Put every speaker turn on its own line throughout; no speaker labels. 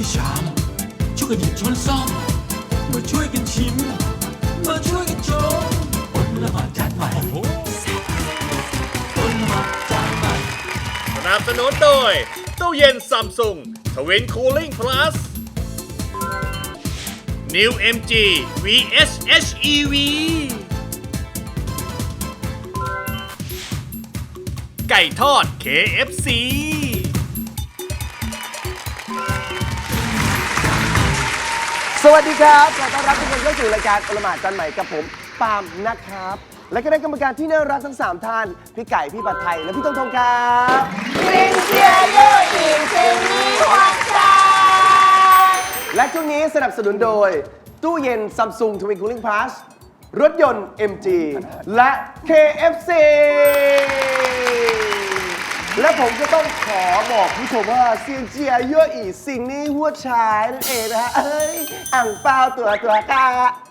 ชามช่วยกันหยิบช้อนซ่อมมาช่วยกันชิมมาช่วยกันชมอดละหมาดจานใหม่อดละหมาดจานใหม่
สนับสนุนโดยตู้เย็นซัมซุงทวินคูลิ่งพลัส New MG VS HEV ไก่ทอด KFC
สวัสดีครับขอต้อนรับทุกคนเข้าสู่รายการอลหมาดจานใหม่กับผมปาล์มนะครับ และก็ได้กรรมการที่น่ารักทั้ง 3 ท่าน พี่ไก่ พี่ผัดไทย และพี่ตงทงครับและช่วงนี้สนับสนุนโดย ตู้เย็น Samsung Twin Cooling Plus รถยนต์ MG และ KFC และผมก็ต้องขอบอกผู้ชมว่าเซียงเจียเย่ออีสิ่งนี้หัวชายนั่นเองนะฮะอ่างเปาตัวกา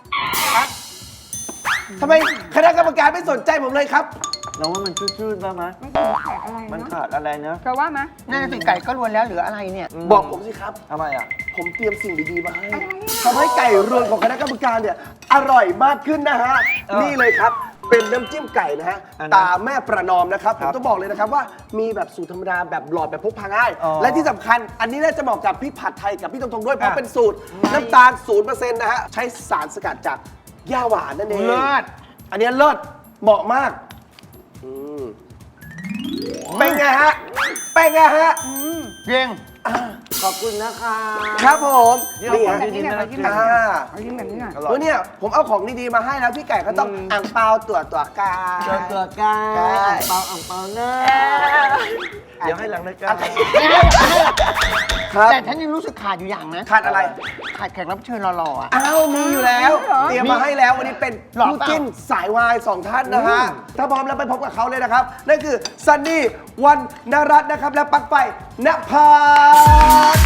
ทำไมคณะกรรมการไม่สนใจผมเลยครับ
เราว่ามันชืดๆบ้างไหม
ไม่ขาดอะไร
มันขาดอะไรนะ
เธอว่าไหมน่าจะสิไก่ก็รวนแล้วเหลืออะไรเนี่ย
บอกผมสิครับ
ทำไมอ่ะ
ผมเตรียมสิ่งดีๆมาให้ทำให้ไก่รวนของคณะกรรมการเนี่ยอร่อยมากขึ้นนะฮะ นี่เลยครับ เป็นน้ำจิ้มไก่นะฮะ
อันนั้น
ตาแม่ประนอมนะครับ ผมต้องบอกเลยนะครับว่ามีแบบสูตรธรรมดาแบบหลอดแบบพกพาง่าย
อ๋อ
และที่สำคัญอันนี้น่าจะเหมาะกับพี่ผัดไทยกับพี่ตงๆด้วยเพราะเป็นสูตรน้ำตาล 0% นะฮะ ใช้สารสกัดจากหญ้าหวานนั่นเอง
เลิศ
อันนี้เลิศเหมาะมากอืมเป็นไงฮะเป็นไงฮะ
เก่ง
ขอบคุณนะคะ
ครับผม
นี่
นี่
ข
ฮะ
องดีๆนะ
เอายิ้มแบบนี้หน่อย
แล้วเนี่ยผมเอาของดีๆมาให้แล้วพี่ไก่ก็ต้องอ่างเปาตัวกา
ตัวกา
ใช่
อ่างเปาเนอะเดี๋ยวให้หลังรายการ
ครับ
แต่ฉันยังรู้สึกขาดอยู่อย่างนะ
ขาดอะไร
ขาดแขกรับเชิญหล่อๆอ่ะ
อ้าวมีอยู่แล้ว เตรียมมาให้แล้ววันนี้เป็น
หรอ
คู่จิ้นสายวาย2 ท่านนะฮะถ้าพร้อมแล้วไปพบกับเขาเลยนะครับ นั่นคือซันนี่วันนรัตน์นะครับ และปลั๊กไฟณภาส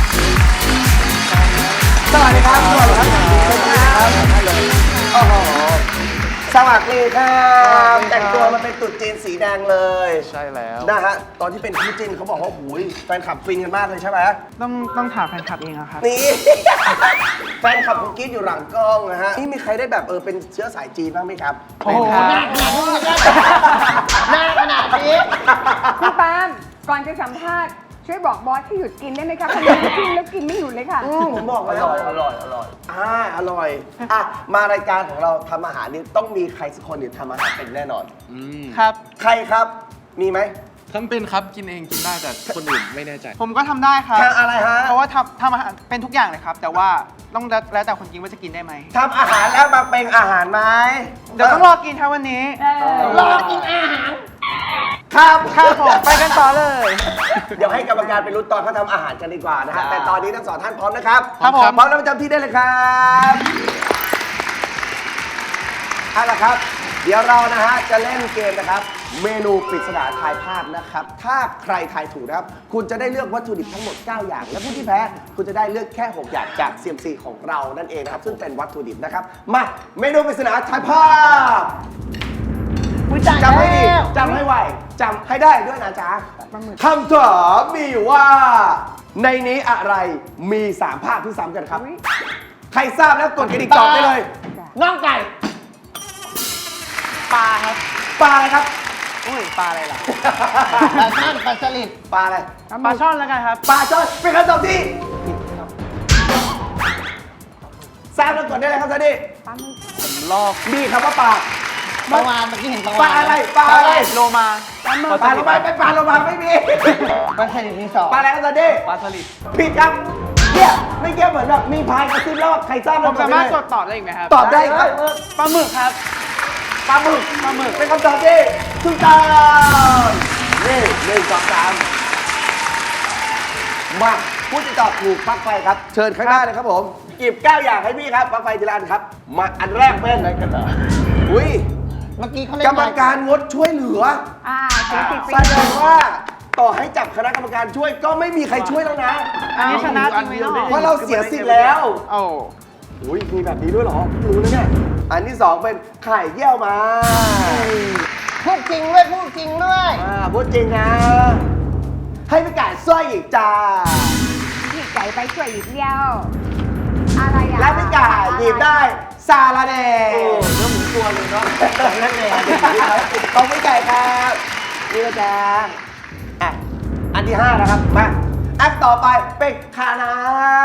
สวัสดีครับสวัสดีครับสวัสดีครับโอ้โหสวัสดีครับแต่งตัวมาเป็นตุ๊ดจีนสีแดงเลย
ใช่แล้ว
นะฮะตอนที่เป็นคู่จิ้นเขาบอกว่าหูยแฟนคลับฟินกันมากเลยใช่ไหม
ต้องถามแฟนคลับเองอะครับ
นี่ แฟนคลับคุณกิ๊ดอยู่หลังกล้องนะฮะ นี่มีใครได้แบบเป็นเชื้อสายจีนบ้างไหมครับ
โอ้โหหน้าขนาดนี้คุณปาล์มก่อนจะสัมภาษณ์ช่วยบอกบอสที่หยุดกินได้ไหมคะคนนี้กินแล้วกินไม่หยุดเลยค่ะ
ผมบอกแล้วอร่อยอร่อยอ่ะมารายการของเราทำอาหารนี่ต้องมีใครสักคนเนี่ยทำอาหารเป็นแน่นอน
ครับ
ใครครับ มีไหม
ทำเป็นครับกินเองกินได้แต่คนอื่นไม่แน่ใจ
ผมก็ทำได้ครับ
ทำอะไรฮะ
เพราะว่าทำอาหารเป็นทุกอย่างเลยครับ แต่ว่าต้องแล้วแต่คนกินว่าจะกินได้ไหม
ทำอาหารแล้วมาเป็นอาหารไหม
เดี๋ยวต้องรอกินครับวันนี้
รอกินอาหาร
ครับ
ครับผมไปกันต่อเลย
เดี๋ยวให้กรรมการไปรุ้นตอนเขาทำอาหารกันดีกว่านะฮะ แต่ตอนนี้ทั้งสองท่านพร้อมนะครับ
ครับผม
พร้อมแล้วประจำที่ได้เลยครับเอาละครับ เดี๋ยวเรานะฮะจะเล่นเกมนะครับ เมนูปริศนาทายภาพนะครับ ถ้าใครทายถูกนะครับ คุณจะได้เลือกวัตถุดิบทั้งหมด 9 อย่าง และผู้ที่แพ้คุณจะได้เลือกแค่ 6 อย่างจาก CMC ของเรานั่นเองนะครับ ซึ่งเป็นวัตถุดิบนะครับ มาเมนูปริศนาทายภาพจำให้ดีจำให้ไวจำให้ได้ด้วยนะจ๊ะคำถามมีอยู่ว่า ในนี้อะไรมี 3 ภาพที่ซ้ำกันครับ ใครทราบแล้วกดกระดิ่งตอบได้เลย
น่องไก่
ปลาครับ
ปลาอะไรครับ
อุ้ยปลาอะไรล่ะ
ปลาช่อนปลาสลิด
ปลาอะไร
ปลาช่อนแล้วกันครับ
ปลาช่อนเป็นคำตอบที่ทราบแล้วกดได้เลยครับซันนี่
ผมลอก
มีคำว่าปลา
ปลาวานเมื่อกี้เห็นปลา
ปลาว
าน
อะไรปลาอะไร
โลมา
ปลาโลมาเป็นปลาโลมาไม่มี
ปลาสลิดมีสอง
ปลาอะไรครับซันนี่
ปลาสลิด
ผิดครับเนี่ยไม่เกี่ยวเหมือนแบบมีพายกระซิบแล้วใครทราบ
ผ
แล้ว
ม
กด
สา
ได้
มารถ
เลย
กดตอบได้อีกไหมครับ
ตอบได้ครับ
ปลาหมึกครับ
ปลาหมึกเป็นคำตอบที่ถูกต้องนี่1 2 3มาผู้ที่ตอบถูกปลั๊กไฟครับ เชิญข้างหน้าเลยครับผมหยิบ9 อย่างให้พี่ครับปลั๊กไฟทีละอันครับ มาอันแรกเป็นอะไรกันล่ะอุ้ย
เมื่อกี้เขาเล่น
กรรมการงดช่วยเหลือ
สีติด
แสดงว่าต่อให้จับคณะกรรมการช่วยก็ไม่มีใครช่วยแล้วนะ
อันนี้ชนะจริงไหมเนาะ
เพราะเราเสียสิทธิ์แล้ว
โอ้
อุ้ยมีแบบนี้ด้วยเหรอรู้นะเนี่ยอันที่ 2 เป็นไข่เยี่ยวมา
พูดจริงด้วยพูดจริงด้วย
พูดจริงนะ ให้พี่ไก่สร้อยอีกจ้า
พี่ไก่ไปช่วยหยิบเดียวอะไรอ่ะ
และพี่ไก่หยิบได้ซาลาเด
โอ้เนื้อหมูตัวเลยเนาะนั่นเอง
ของพี่ไก่ครับนี่นะจ๊ะอ่ะอันที่ 5 นะครับ มา อันต่อไปเป็นคานา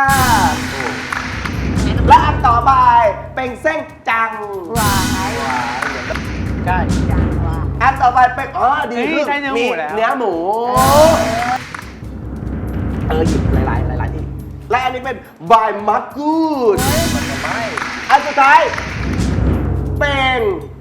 และอันต่อไปเป็นเส้นจัง
วาย
ใช่
จังว่า
อันต่อไปเป็นดีขึ้น
ได้เนื้อหมูแล้ว
เนื้อหมูหยิบหลายที่และอันนี้เป็นใบมักกูดอันสุดท้ายเป็น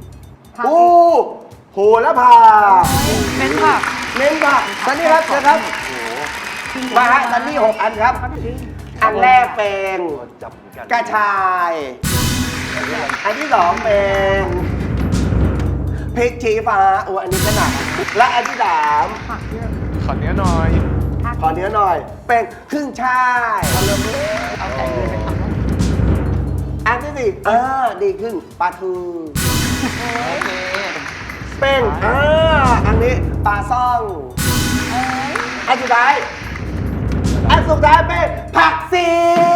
โหระพา
เน้นผัก
เน้นผักซันนี่ครับเชิญครับมาฮะซันนี่6 อันครับ อันแรกเป็นกระชาย อันที่ 2เป็นพริกชี้ฟ้าอันนี้ก็หนักและอันที่ 3
ผักเยอะ
ขอเนื้อหน่อย
ขอเนื้อหน่อย เป็นครึ่งช่ายเอาใจเลยไปทำอันที่ 4ดีขึ้นปลาทูเป็นอันนี้ปลาซ่องอันสุดท้ายเป็นผักซี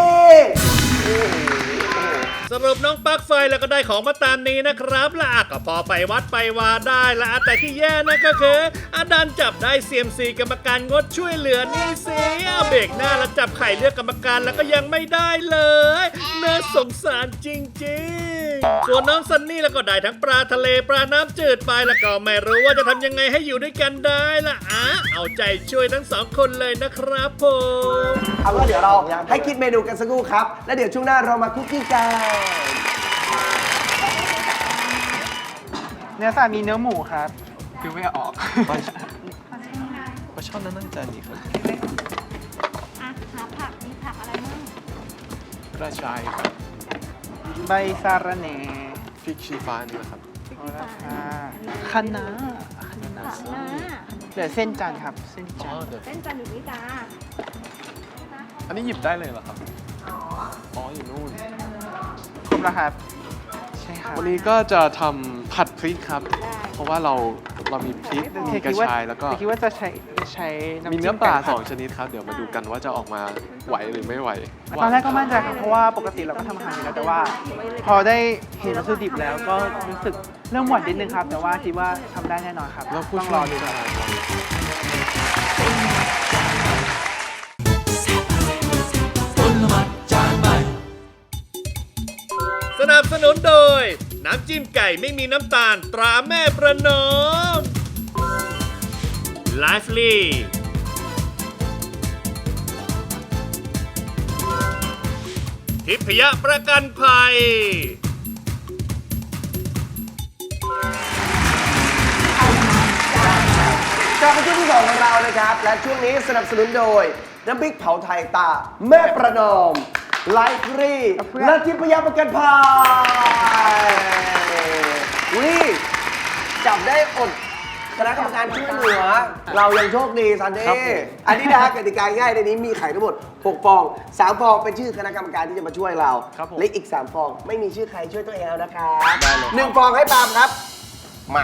สรุปน้องปลั๊กไฟแล้วก็ได้ของมาตามนี้นะครับและก็พอไปวัดไปวาได้และแต่ที่แย่นะก็คือดันจับได้เซียมซีกรรมการงดช่วยเหลือนี่สิเบรกหน้าแล้วจับไข่เลือกกรรมการแล้วก็ยังไม่ได้เลยน่าสงสารจริงๆส่วนน้องซันนี่แล้วก็ได้ทั้งปลาทะเลปลาน้ำจืดไปแล้วก็ไม่รู้ว่าจะทำยังไงให้อยู่ด้วยกันได้ล่ะเอาใจช่วยทั้งสองคนเลยนะครับผม
เอาว่าเดี๋ยวเราให้คิดเมนูกันสักครู่ครับ แล้วเดี๋ยวช่วงหน้าเรามาคุกกิ้งกัน
เนื้อสัตว์มีเนื้อหมูครับ
คือไม่ออกว่าชอบนั่งจานนี้ครับ
หาผัก มีผักอะไรบ้าง
กระชายครับ
ใบสาระแหน่
พริกชี้ฟ้านี่นะครับ
คะน้า
ผักนะ
เหลือเส้นจันทร์ครับ เส้น
อ๋
จั
อน
ทร์
เดี๋ยว
เส้นจันทร์อยู่นี่จ้า
อันนี้หยิบได้เลยเหรอครับ อ๋อ อยู่นู่น
ครบแล้วครับ ใช่ครับ
วันนี้ก็จะทำผัดพริกครับ เพราะว่าเรามีพริกมีกระชายแล้วก็
แต่คิดว่าจะใช้น้ำ
มี
จิ้
เนื้อปลา
ไก่ผัด
2 ชนิดครับ เดี๋ยวมาดูกันว่าจะออกมาไหวหรือไม่ไหว
ตอนแรกก็มั่นใจครับเพราะว่าปกติเราก็ทำอาหารอยู่แล้วแต่ว่า พอได้เห็นวัตถุดิบแล้วก็รู้สึกเริ่มหวั่นนิดนึงครับ แต่ว่าคิดว่าทำได้แน่นอนครับ
แล้วผู้
ต้อง
ช่
ร
ว
อย ดู
จะ
ครับ
สนับสนุนโดย น้ำจิ้มไก่ไม่มีน้ำตาลตราแม่ประนอม Lively ทิพยประกันภัย
กลับมาช่วงที่ 2 ของเรานะครับ และช่วงนี้สนับสนุนโดย น้ำพริกเผาไทยตา แม่ประนอม ไลฟ์รีและทิพยประกันภัยจับได้อดคณะกรรมการช่วยเหลือ เรายังโชคดีซันเด
ครับผม
ย์อันนี้นะฮะกติกาง่ายในนี้มีไข่ทั้งหมด 6 ฟอง 3 ฟองเป็นชื่อคณะกรรมการที่จะมาช่วยเรา
ครับผม
และอีก 3 ฟองไม่มีชื่อใครช่วยตัวเองแล้วนะครับ
ได้เลยครับ
1 ฟองให้ปาล์มครับ มา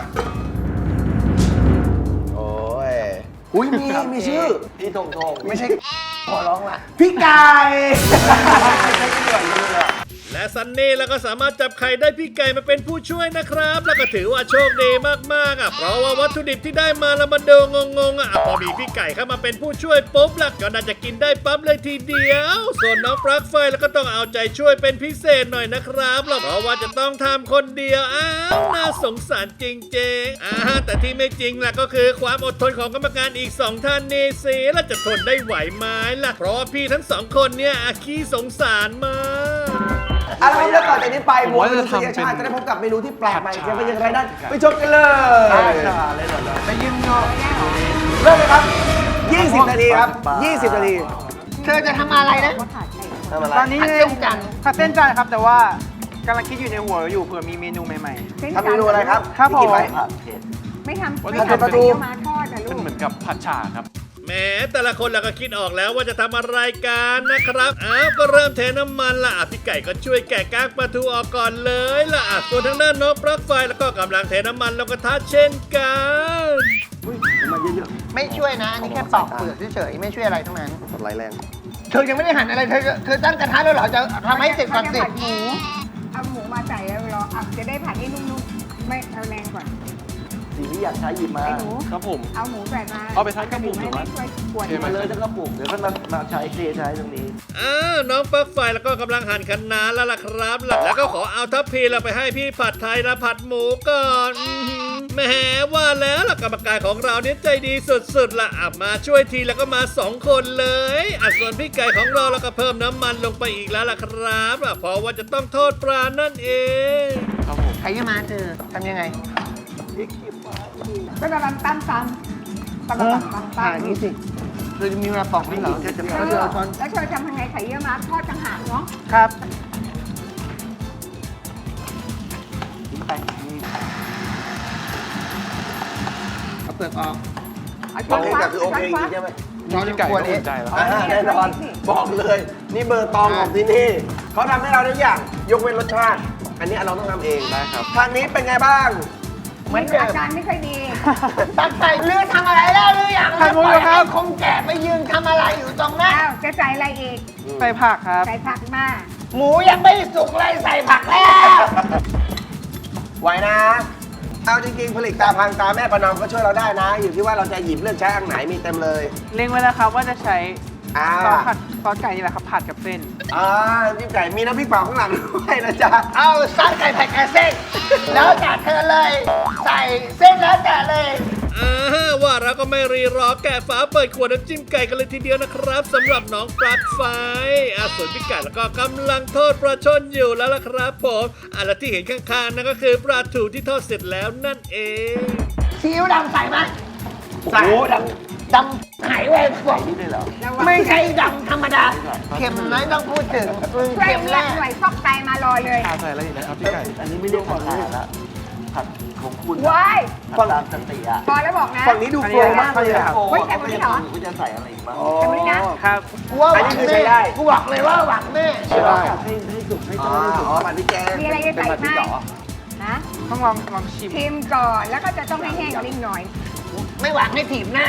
โอ้ยอุ้ยมีชื่อ
พี่ทงไม่ใช่ขอร้องล่ะ
พี่ไก่
และซันนี่แล้วก็สามารถจับไข่ได้พี่ไก่มาเป็นผู้ช่วยนะครับ แล้วก็ถือว่าโชคดีมากๆเพราะว่าวัตถุดิบที่ได้มาแล้วมาดูงงๆพอมีพี่ไก่เข้ามาเป็นผู้ช่วยปุ๊บแล้วก็น่าจะกินได้ปั๊บเลยทีเดียว ส่วนน้องปลั๊กไฟแล้วก็ต้องเอาใจช่วยเป็นพิเศษหน่อยนะครับเพราะว่าจะต้องทำคนเดียวน่าสงสารจริงๆแต่ที่ไม่จริงล่ะก็คือความอดทนของกรรมการอีก 2 ท่านนี่สิแล้วจะทนได้ไหวไหมล่ะเพราะว่าพี่ทั้ง 2 คนเนี่ยขี้สงสารมาก
เอาละครับแล้วต่อจากนี้ไปหมวดมนุษยชาติจะได้พบกับเมนูที่แปลกใหม่จะเป็นอย่างไรนั้นไปชมกันเลย
ไปยืมเงาะ
เริ่มเลยครับ 20 นาทีครับ 20 นาที
เธอจะทำอะไรนะ
ทำอะไร
ตอนนี้
ผัดเส้นจันทร์
ผัดเส้นจันทร์ครับ แต่ว่ากำลังคิดอยู่ในหัวอยู่เผื่อมีเมนูใหม่
ส้น
ทำเมนูอะไรครับ
ครับ
ที่คิดไว้
ผม
ไม่ทำ
ว่า
ไม่
จะ
ทำ
ทำปลาทู
เดี๋ยวมาทอดนะลู
มัน
ก
เหมือนกับผัดฉ่าครับ
แหมแต่ละคนเราก็คิดออกแล้วว่าจะทำอะไรกันนะครับก็เริ่มเทน้ำมันละพี่ไก่ก็ช่วยแกะกากปลาทูออกก่อนเลยละส่วนทางด้านน้องปลั๊กไฟแล้วก็กำลังเทน้ำมันลงกระทะเช่นกัน
มาเยอะ
ไม่ช่วยนะ อันนี้แค่ปอกเปลือกเฉยๆไม่ช่วยอะไรทั้งนั้น
ๆไหลแรง
เธอยังไม่ได้หั่นอะไรเธอตั้งกระทะแล้วเหรอจะทำให้เสร็จก่อนสิ
เขาจะผัดหมูเอาหมูมาใส่แล้วรอเอาจะได้ผัดให้นุ่มๆไม่เอาแรงก่อน
สิ่งที่อยากใช้หยิบมา
ไอ้หนู
ครับผม
เอาหมูใส่มา
เอาไปทั้งกระปุกหรือ
ไม่
ว่า
ช่วยกวน
โอเคไหม
มาเลยจะกระปุกเดี๋ยวก็มาใช้ใช้ตรงนี้
น้องปลั๊กไฟแล้วก็กำลังหั่นคะน้าแล้วล่ะครับแล้วก็ขอเอาทัพพีเราไปให้พี่ผัดไทยนะผัดหมูก่อนแหมว่าแล้วล่ะกรรมการของเราเนี่ยใจดีสุดๆล่ะมาช่วยทีแล้วก็มา2 คนเลยส่วนพี่ไก่ของเราแล้วก็เพิ่มน้ำมันลงไปอีกแล้วล่ะครับเพราะว่าจะต้องทอดปลานั่นเอง
ครับผม
ใครจะมาเธอทำยังไง
ก็ตำตำ
นี่สิเธอจะมีเวลาปอกไหมเหรอเธอจะ
แล้ว
เธอเอาช้อน
เธอทำยังไงไข่เยี่ยวม้าทอดต่างหากเนาะ
ครับ
ทิ้งไปนี่
เอาเปลือกออก
เอา
บ
ช้
อ
อก น
เลย
ควั
แต่
ก
คือโอ
ช้อ
เคน จ
ควั
ริ
ก
งใช่ไหม
พี่ไก่ก็อุ่นใจแล้ว
แน่นอนบอกเลย นี่เบอร์ตองของที่นี่เขาทำให้เราทุกอย่างยกเว้นรสชาติ อันนี้เราต้องทำเอง
ได้ครับ
ทางนี้เป็นไงบ้าง
เหมือนอาการไม่ค่อยดี
ตักใส่เลือทำอะไรแล้วหรือยัง
ใส่หมูอยู่ครับ
คงแก่ไปยืนทำอะไรอยู่ตรงนั้น
อ้าวจะใส่อะไรอีก
ใส่ผักครับ
ใส่ผักมา
หมูยังไม่สุกเลยใส่ผักแล้ว
ไหวนะ เอาจริงๆ ผลิตตาพังตาแม่ประนอมก็ช่วยเราได้นะ อยู่ที่ว่าเราจะหยิบเลือกใช้อันไหนมีเต็มเลย
เล็งไว้แล้วครับว่าจะใช้
อ่า
ซอสไก่นี่แหละครับผัดกับเส้น
จิ้มไก่มีน้ำพริกเผาข้างหลังด้วยนะจ๊ะ
เอาซอสไก่ผัดกับเส้น แล้วแต่เธอเลย ใส่เส้นแล้วแต่เลย
ว่าเราก็ไม่รีรอแกะฝาเปิดขวดน้ำจิ้มไก่กันเลยทีเดียวนะครับสำหรับน้องปลั๊กไฟส่วนพี่ไก่แล้วก็กำลังทอดปลาช่อนอยู่แล้วล่ะครับผมและที่เห็นข้างๆนั่นก็คือปลาถูที่ทอดเสร็จแล้วนั่นเอง
ซีอิ๊วดำใส่ไหมใส่ดำหายไปพวก
นี่ด้วยเหรอ
ไม่ใช่ดำธรรมดา เค็มน้อยต้องพูดถึง
ช่วย
เค็ม
เรี
แร
ยก
ก
หน่วยฟอกไตมารอเลย
ใส่อะไรอีกนะครับพี่ไก่
อันนี้ไม่เรียกผัดผัดละผัดของคุณ
ว้าย
ผัดตามสติอ่ะ
พอแล้วบอกนะ
ฝั่งนี้ดูโฟล์มากเลยอ่ะ
เฮ้ยแต่วันนี้เหรอ
คุณจะใส่อะไรอีกบ้าง
แต่วันนี้นะ
ครับ
กูว่าห
อั
วัน ง
นี้คือ
แม่
ใช้ได้
กูบอกเลยว่าหวังแม่
ให้สุกให้ต้มให้สุกผัดพริกแกง
มีอะไรจะใส่ไหมฮะ
ต้องลองชิม
ชิมก่อนแล้วก็จะต้องให้แห้งนิดหน่อย
ไม่หวังให้ถีบหน้า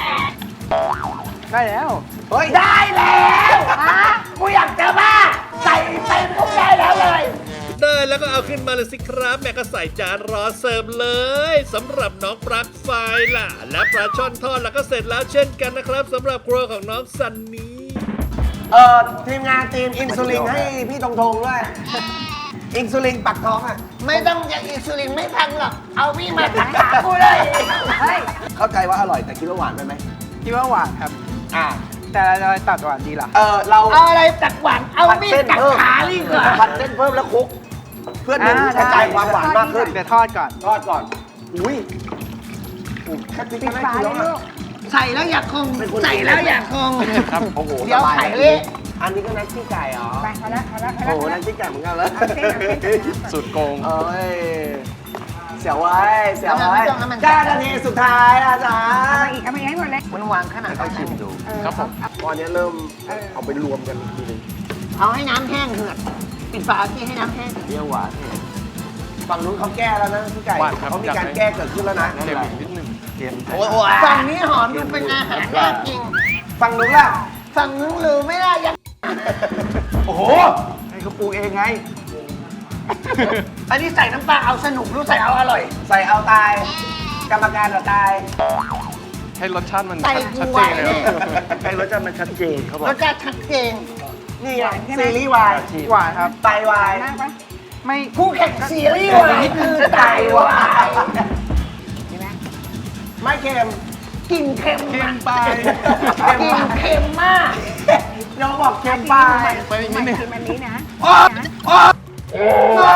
ได้แล้ว
เฮ้ย
ได้แล้ว
ฮะ
กูอยากจะบ้า ใส่ไปปุ๊บได้แล้วเลย
ได้แล้วก็เอาขึ้นมาเลยสิครับแม่ก็ใส่จานรอเสิร์ฟเลยสำหรับน้องปลั๊กไฟล่ะ และปลาช่อนทอดแล้วก็เสร็จแล้วเช่นกันนะครับสำหรับครัวของน้องซันนี่
ทีมงานทีมอินซูลินให้พี่ตรงทงด้วย อินซูลินปักท้องอ่ะ
ไม่ต้องอยากอินซูลินไม่ทันหรอก เอาพี่มาตักขากูเลย
เฮ้ย
เข้าใจว่าอร่อยแต่คิดว่าหวานไปไหม
คิดว่าหวานครับ
อ่า
แต่เราจะตัดหวานดีล่ะ
เรา
เอาอะไรตักหวาน เอา
ผัด
มีด
เส้น
ตัก
เพิ่ม
ขาดีกว่า
ผัดเส้นเพิ่มแล้วคลุก เพื่อดึงกระจายความหวานมากขึ้น
เดี๋ยวทอดก่อน
ทอดก่อน อุ้ยแค่พริก
ปิด
ก็น่า
ฝา
กิน
เล
แล้ว
ย
อะ
ลูก
ใส่แล้วอย่าคง ใส่แล้วอย่าคง
ครับ
โอ้โห
เดี๋ยว
สบา
ไข่เละ
อันนี้ก็นักขี้ไก่เหรอ
ไปพอแล้วพอแล้วพอ
โอ้
แล้ว
โหนักขี้ไก่เหมือนกันเลย
เอาเส้นเอาเส้นเอาเส้น
สุดโกง
เอ้ย เสียวไว้เสียวไว้
ไม่ต้องให้มัน
9 นาทีสุดท้ายอาจารย์
เอามาอีกให้หมดเลย
มันวางขนาด
เขา
นั้น
ชิมดู
ครับผม
ตอนนี้เริ่มเอาไปรวมกันอีกทีหนึง
เอาให้น้ำแห้งเหือดปิดฝาที่ให้น้ำแห้ง
เปรี้ยวหวานเนี่ยฝั่งนู้นเขาแก้แล้วนะพี่ไก่
หวานครับ
เขามีการแก้เกิดขึ้นแล้วนะ
เค็มอีกนิดนึง
โอ้โห
ฝั่งนี้หอมดูเป็นอาหารน่ากิน
ฝั่งนู้นล่ะ
ฝั่งนู้นหรือไม่ได้ยัง
โอ้โห ให้เขาปรุงเองไง
อันนี้ใส่น้ำปลาเอาสนุกหรือใส่เอาอร่อย
ใส่เอาตาย กรรมการเอาตาย
ให้รสชาติมัน
ใส่
ชัด
กู
เจ
ไว้
นเลย
เนี่ย
ให้รสชาติมันชัดเจนเขาบอก
รสชาติชัดเจน
นี่ไงซีรีส์วาย
หวานครับ
ไตวาย
มากปะ
ไม่
คู่แข่งซีรีส์วายคือไตวาย
เห็นไหม
ไม่เค็ม
กลิ่นเค็ม
เค็มไป
กลิ่นเค็มมาก
น้องบอกเค็มไป
ไปอีกนิดนึง
ชิมอันนี้นะ
โอ้โอ้โอ้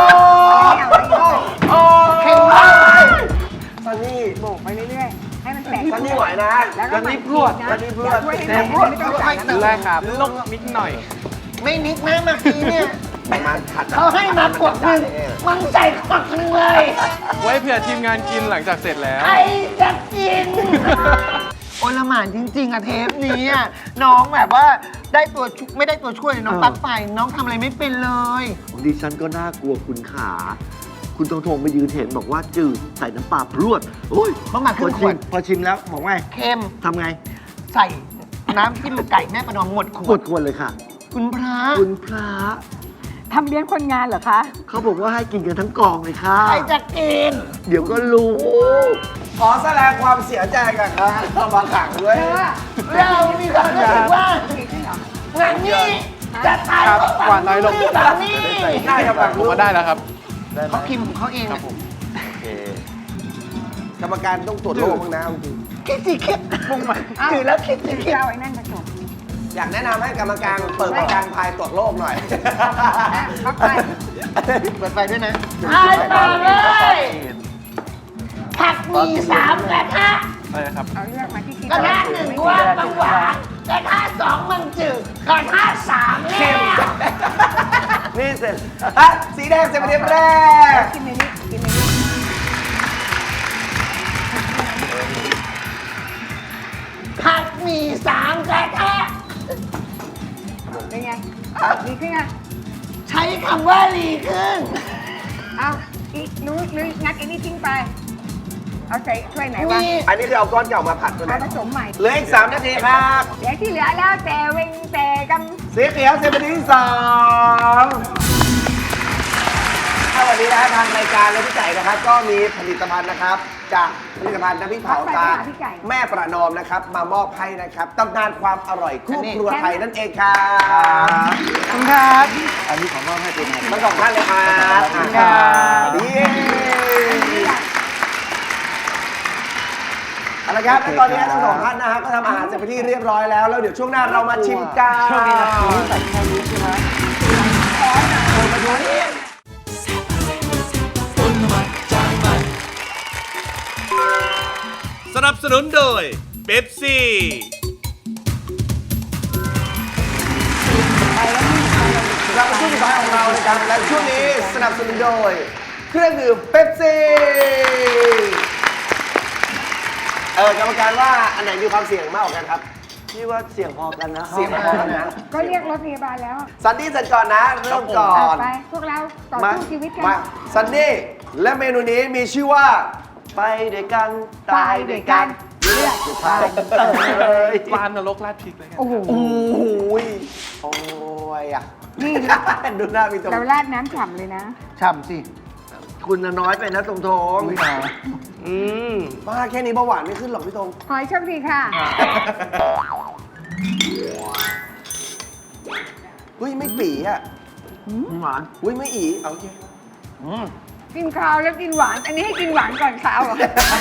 โอ้
เค็มมาก
ซันนี่
โบกไปเรื่อยๆ ให้มันแตก
ซันนี่ไหวนะ
แล้วก็
ซันนี่พรวดซันนี่พรวด
ช่วยให้แตกไม่ต้องใส่น้ำ
ได้ครับลงนิดหน่อย
ไม่นิดนะเมื่อกี้เนี่ย
มาขัด
เขาให้มาขวดหนึ่งมันใส่ขวดหนึ่งเลย
ไว้เผื่อทีมงานกินหลังจากเสร็จแล้ว
ใครจะกิน โอลหมานจริงๆอะเทปนี้อะน้องแบบว่าได้ตัวช่วยไม่ได้ตัวช่วยน้องปลั๊กไฟน้องทำอะไรไม่เป็นเลย
ดิฉันก็น่ากลัวคุณขา คุณตรงทงไปยืนเห็นบอกว่าจืดใส่น้ำปลาพรวด โอ้ย
ต้องมาครึ่งขวด
พอชิมแล้วบอกว่าไง
เค็ม
ทำไง
ใส่น้ำจิ้มไก่แม่ประนอมหมดข
หม
วด
ดควรเลยค่ะ
คุณพระ
คุณพระ
ทำเลี้ยงคนงานเหรอคะ
เขาบอกว่าให้กินกันทั้งกองเลยค่ะ
ใครจะกิน
เดี๋ยวก็รู้
ขอแสดงความเสียใจกับคณะกรรมการด้วย
เรามีความรู้สึกว่างานนี้จะตาย
ครับ
เพราะ
หวานน้อยลง
ฝั่งนี้
ได้ครับฝั่ง
ผม
นู้น
ว่าได้แล้วครับ
เขาพิมพ์ของเขาเอง
ครับผม
กรรมการต้องตรวจโรคบ้างนะจริง
คิดสิคิดมุ่งมาถือแล้วคิดสิคิด
เอาไอ้นั่นผสม
อยากแนะนำให้กรรมการเปิดประกันภัยตรวจโรคหน่อย
พักไป
เปิดไฟด้วยนะไอ้มาเลยผักมี3กระทะ
ได้ครับ
เอาเลือกมาที่กิน
กระทะ1ว่าบางหวานกระทะ2มันจืดกระทะ3เค็ม
นี่เสร็จอ่ะสีแดงเสร็จประเด็นแรก
กินในนี้กินในนี้
ผักมี3กระทะ
เป็นไงดีขึ้นไง
ใช้คำว่ารีขึ้น
เอาอีกนู้นงัดไอ้นี่ทิ้งไป เอาใส่ถ้วยไหนวะ
อันนี้คือเอาก้อนเก่ามาผัดตัวไหน
เอาผสมใหม่
เหลืออีก3 นาทีครับ
เดี๋ยวที่เหลือแล้วแต่เวงแต่ก
สีเขียวเสร็จประเด็นที่2ถ้าวันนี้นะฮะทางรายการและพี่ไก่นะครับ ก็มีผลิตภัณฑ์นะครับ จากผลิตภัณฑ์น้ำพริกเผาตาแม่ประนอมนะครับ มามอบให้นะครับตำนานความอร่อยคู่ครัวไทยนั่นเองครับ
ขอบคุณครับ
อันนี้ขอมอบให้เป็น
ทั้งสองท่านเลยครับ
ขอบคุณครับ
ดีเอาละครับและตอนนี้ทั้งสองท่านนะฮะก็ทำอาหารเสร็จไปนที่เรียบร้อยแล้ว แล้วเดี๋ยวช่วงหน้าเรามาชิมกัน
ช่วงนี้นะใส่แค่นี้ใช่ไหม
สนับสนุนโดยเบปซี่
เราเป็นช่วงสุดท้ายของเรานะครับและช่วงนี้สนับสนุนโดยเครื่องดื่มเป๊ปซี่กรรมการว่าอันไหนมีความเสี่ยงมากกว่ากันครับ
พี่ว่าเสียงพอกันนะ
เสี่ยงพอกันนะ
ำก็เรียกรถพยาบาลแล้ว
ซันนี่เสร็จก่อนนะเริ่มก่อน
ไปพวกเราต่อ
มา
สู้ชีวิตกัน
มาซันนี่และเมนูนี้มีชื่อว่า
ไปด้วยกัน
ตายด้วยกันเลือด
ตายเลย
ปลานรกราดพริกเลยกัน
โอ้โห
โอ้ยโอ้ยอ่ะ
นี่
ดูหน้าพี่ตรง
เราราดน้ำฉ่ำเลยนะ
ฉ่ำสิ
คุณน่ะน้อยไปนะตรงทง
ไม่เอา
บ้าแค่นี้เบาหวานไม่ขึ้นหรอกพี่ตรง
ขอให้โชคดีค่ะ
เฮ้ยไม่ปีอ่ะ
หวาน
เฮ้ยไม่อีเอาโอเค
กินข้าวแล้วกินหวาน อันนี้ให้กินหวานก่อนข้าวเหรอ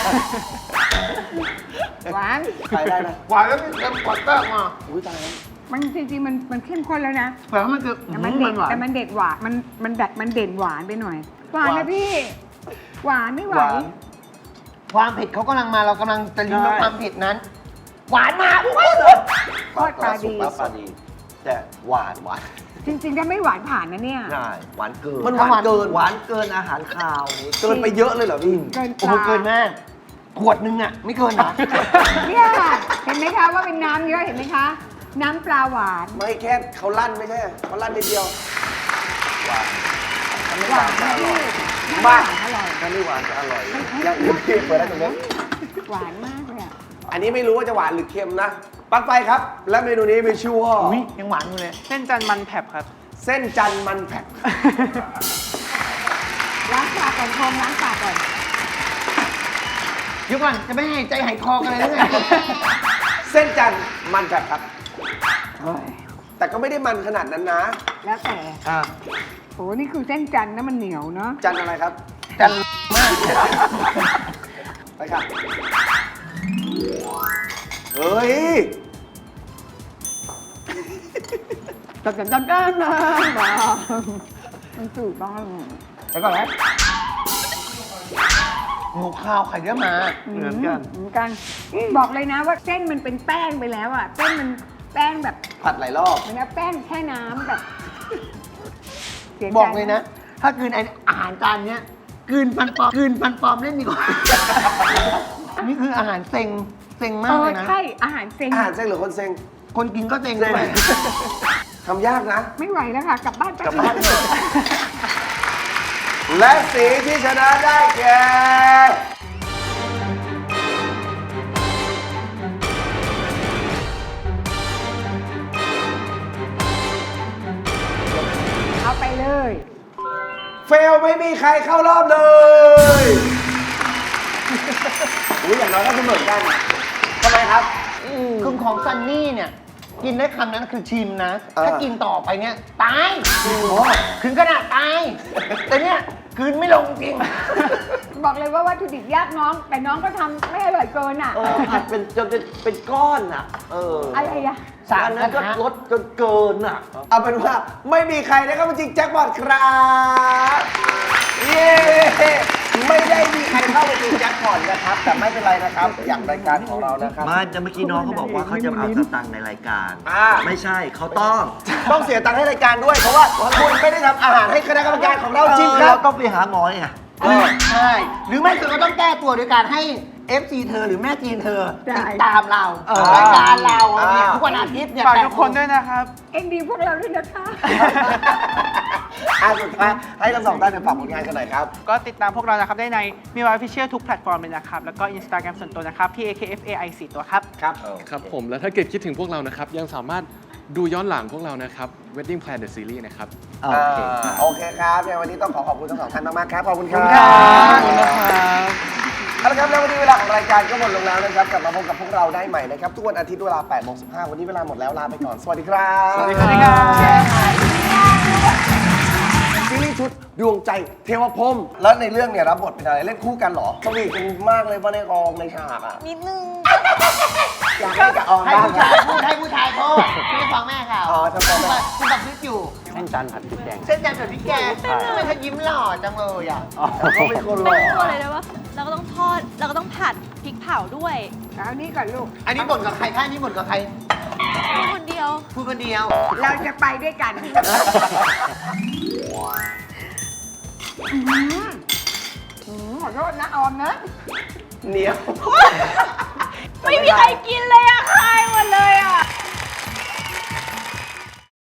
หวาน
ไปได้นะ
หวานแล้วมีเค็มกว่าแป้งมา
อุ้ยตายแล้ว
มันจริงๆมันเข้มข้นแล้วนะ
แต่ว่ามันคือ
แต่มันเด็ด
หวาน
แต่มันเด็ดหวานมันเด่นหวานไปหน่อย หวานนะพี่ หวานไม่ไหว
ความเผ็ดเขากำลังมาเรากำลังจะลิ้มรสความเผ็ดนั้น หวานมากโอ้ย
โคตรปลาดี
ปลาดี แต่หวานหวาน
จริงๆถ้าไม่หวานผ่านนะเนี่ย
ใช่หวานเกิน
มันหวานเกิน
หวานเกินอาหารคาว
เกินไปเยอะเลยเหรอพี่
เกิน
โอ้
ป
โห
ลา
เกินมากขวดนึงอ่ะ ไม่เกินเหรอ
เนี่ยเห็นไหมคะว่าเป็นน้ำเยอะเห็นไหมคะ น้ำปลาหวาน
ไม่แค่เขาลั่นไม่ใช่เขาลั่นนิดเดียว
หวานนะพี่
มาก
อร่อย
ถ้าไม่หวานจะอร่อย
อย่างอื่นพี่เปิดได้ตรงนี้
หวานมากเลยอะ
อันนี้ไม่รู้ว่าจะหวานหรือเค็มนะปลั๊กไฟครับ และเมนูนี้มีชื่อว่า
อุ้ยยังหวานอยู่เลย
เส้นจันทร์มันแผบครับ
เส้นจันทร์มันแผ่น
ล้างปากก่อนโคมล้างปากก่อน
เดี๋ยวก่อนจะไม่ให้ใจหายคอกันเลยหรือไง
เส้นจันทร์มันแผ่นครับ แต่ก็ไม่ได้มันขนาดนั้นนะ
แล้วแต่
อ่า
โหนี่คือเส้นจันทร์นะมันเหนียวเนาะ
จันทร์อะไรครับ
กันมาก
ไปค่ะเฮ้ย
จันจันจันนะมันสูดบ้าง
ไปก่อนแล้วหมูข้าวไข่เยอะมา
เหมือนกัน
เหมือนกัน บอกเลยนะว่าเส้นมันเป็นแป้งไปแล้วอ่ะเส้นมันแป้งแบบ
ผัดหลายรอบ
เหมือนกับแป้งแช่น้ำแบบสีใจ
บอกเลยนะ ถ้ากินอาหารจานเนี้ยกลืนปันปอมเล่นดีกว่า นี่คืออาหารเซ็งมา
เอก อ
เลยนะ
ใช่อาหารเซ็ง
อาหารเซ็งหรือคนเซ็ง
คนกินก็เซ็งด้วย
ทำยากนะ
ไม่ไหวแล้วค่ะ กลับบ้านไป
กลับบ้านเถอะ และสีที่ชนะได้แก่ลไม่มีใครเข้ารอบเลย อุ้ยอย่างน้อยก็เสมอกันทำไมครับ
คือของซันนี่เนี่ย กินได้คำนั้นคือชิมนะ ถ้ากินต่อไปเนี่ยตายถึงขนาดตาย แต่เนี่ยคืนไม่ลงจริง
บอกเลยว่าวัตถุดิบยากน้อง แต่น้องก็ทำไม่อร่อยเกินอ่ะ
ผัดเป็นจนเป็นก้อนอ่ะ
อะไรอะ
อันนั้นก็ลดจนเกินอ่ะ
เอาเป็นว่าไม่มีใครได้เข้ามาจริงแจ็คพอตครับเย้ไม่ได้มีใครเข้ามาจริงแจ็คพอตนะครับ แต่ไม่เป็นไรนะครับ อย่างรายการของเรานะครับ
ไม่แต่เมื่อกี้น้องเขาบอกว่าเขาจะเอาสตังค์ในรายการ
อ่า
ไม่ใช่เขาต้อง
ต้องเสียตังค์ให้รายการด้วย เพราะว่าคุณไม่ได้ทำอาหารให้คณะกรรมการของเราชิมครั
เรา
บ
ต้องไปหาหมอไง
ใช่ หรือไม่คือก็ต้องแก้ตัวโดยการให้ FC เธอหรือแม่จีนเธอ
ใช่
ติดตามเรารายการเราเนี่ยทุกวันอาทิตย์เนี่ย
ฝากทุกคนด้วยนะครับ
เอ็นดีพวกเราด้วยนะคะ
สุดท้ายให้ทั้งสองท่านฝากผลงานกันหน่อยครับ
ก็ติดตามพวกเรานะครับได้ในมีวายฟิเชียลทุกแพลตฟอร์มเลยนะครับ แล้วก็ Instagram ส่วนตัวนะครับ PAKFAI 4 ตัวครับ
ครับผมแล้วถ้าเกิดคิดถึงพวกเรานะครับ ยังสามารถดูย้อนหลังพวกเรานะครับ Wedding Plan the Series นะครับ
โอเคครับ
โอเคครับในวันนี้ต้องขอบคุณทั้งสองท่านมากๆครับ ขอบคุณครับ
ขอบคุณนะครับ
เอาละครับแล้ววันนี้เวลาของรายการก็หมดลงแล้วนะครับ กลับมาพบกับพวกเราได้ใหม่นะครับ ทุกวันอาทิตย์เวลา 8:15 วันนี้เวลาหมดแล้วลาไปก่อน สวัสดีครับ
สวัสดีครับ
ซีรีส์ชุดดวงใจเทวพรหมแล้วในเรื่องเนี่ยรับบทเป็นอะไรเล่นคู่กันเหรอสวีทกันมากเลยว่าในกองในฉากอ่ะ
นิดนึง
อยากให้กับออม
ให้
บ้าง
ผู้ชายพูดให้ผู้ชายพูดไม่ได้ฟังแม่เขา
อ๋อจำเป็น
คุณตัดคลิปอยู่
เส้นจันทร์ผัดพริกแกง
เส้นจันทร์กับพี่แกทำไมเธอยิ้มหล่อจังเลยอ่ะ
เขาเป็นคนหล่
ไม่
อ
รู้อะไรเลยว่าเราก็ต้องทอด เราก็ต้องผัดพริกเผาด้วย
เอานี่ก่อนลูก
อันนี้บ่นกับใครคะอันนี้บ่นกับใคร
มีคนเดียว
พูดคนเดียว
เราจะไปด้วยกัน ขอโทษนะออมนะ
เหนียว
ไม่มีใครกินเลย